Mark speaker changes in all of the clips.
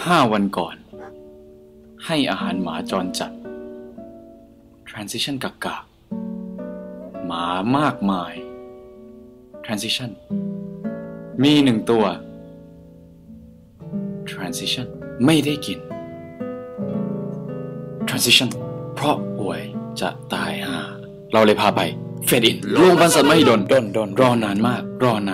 Speaker 1: 5 วันก่อนให้อาหารหมาจรจัด transition กากหมามากมาย transition มี1 ตัว transition ไม่ได้กิน transition เพราะป่วยจะตายห่าเราเลยพาไปเฟดอินโรงพยาบาลสัตว์มหิดลรอนานมาก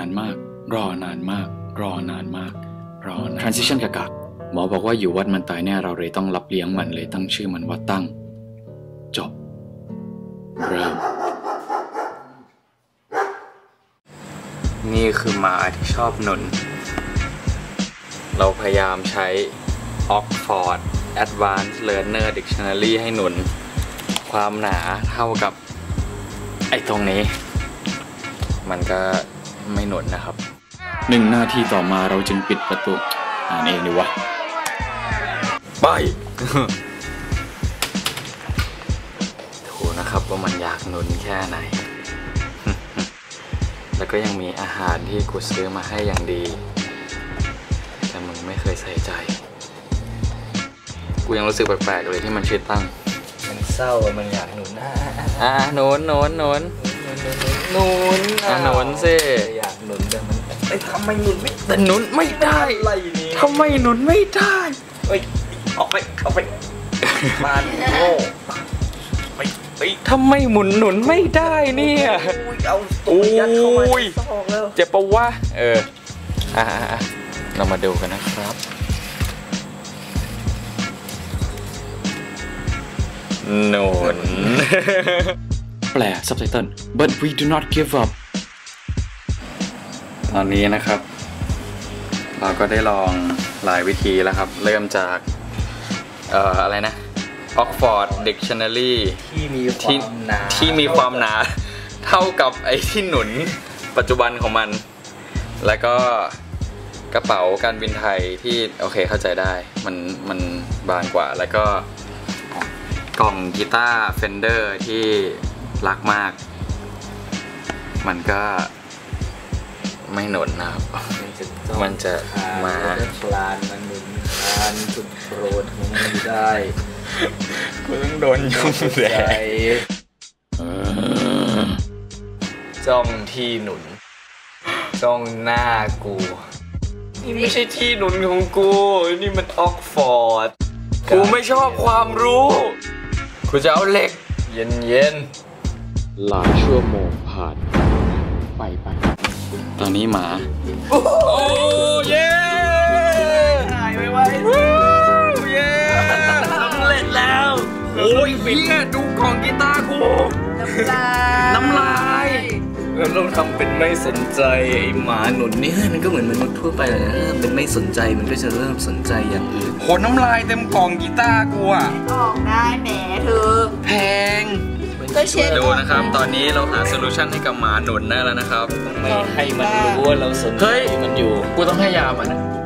Speaker 1: transition กากหมอบอกว่าอยู่วัดมันตายแน่เราเลยต้องรับเลี้ยงมันเลยตั้งชื่อมันว่าตั้งจบเริ่มนี่คือหมาที่ชอบหนุนเราพยายามใช้ Oxford Advanced Learner Dictionary ให้หนุนความหนาเท่ากับไอ้ตรงนี้มันก็ไม่หนุนนะครับ1 นาทีต่อมาเราจึงปิดประตูอ่านเองดีวะไป ถูนะครับว่ามันอยากหนุนแค่ไหน แล้วก็ยังมีอาหารที่กูซื้อมาให้อย่างดีแต่มึงไม่เคยใส่ใจกูยังรู้สึกแปลกๆเลยที่มันชื่อตั้ง
Speaker 2: มันเศร้ามันอยากหนุน
Speaker 1: หนุนสิ
Speaker 2: อยากหนุนแต่มันทำไมหนุนไม่
Speaker 1: แต่หนุนไม่ได้ทำไมหนุนไม่ได้
Speaker 2: เฮ้ยออกไปมาโง่
Speaker 1: ทำไมหนุนไม่ได้เนี่ย
Speaker 2: เอาตัวยัดเข้ามาแล้ว
Speaker 1: เจ็บปะวะเรามาดูกันนะครับหนุนแปล subtitle but we do not give up ตอนนี้นะครับเราก็ได้ลองหลายวิธีแล้วครับเริ่มจากอะไรนะ Oxford Dictionary
Speaker 2: ที่มีความหนา
Speaker 1: เท่ากับไอ้ที่หนุนปัจจุบันของมันแล้วก็กระเป๋าการบินไทยที่โอเคเข้าใจได้มันบางกว่าแล้วก็กล่องกีตาร์ Fender ที่รักมากมันก็ไม่หนุนนะครับมันจะมา
Speaker 2: คลานมันหนุนคลานจุดโปรดของมันได้
Speaker 1: กูต้องโดนยุ่งแย่
Speaker 2: จ้องที่หนุนจ้องหน้ากูนี่ไม่ใช่ที่หนุนของกูนี่มันออกฟอร์ด
Speaker 1: กูไม่ชอบความรู้กูจะเอาเหล็ก
Speaker 2: เย็น
Speaker 1: หลายชั่วโมงผ่านไปตอนนี้หมา
Speaker 2: โอ้เย้หายไวเย้สำเร็จแล้ว
Speaker 1: โอ้ยเนี่ยดูกล่องกีตาร์กูน้ำลาย
Speaker 2: เราต้องทำเป็นไม่สนใจไอ้หมาหนุนนี่มันก็เหมือนมนุษย์ทั่วไปเลยนะเป็นไม่สนใจมันก็จะเริ่มสนใจอย่างอื่น
Speaker 1: โหน้ำลายเต็มกล่องกีตาร์กูอ่ะ
Speaker 3: ออกได้แหมเธอ
Speaker 1: แพง
Speaker 3: ก็เช็ด
Speaker 1: ดูนะครับตอนนี้เราหาโซลูชันให้กับหมาหนุนได้แล้วนะครับ
Speaker 2: ไม่ให้มันรู้ว่าเราสนใจมันอยู่
Speaker 1: กูต้องให้ยามันนะ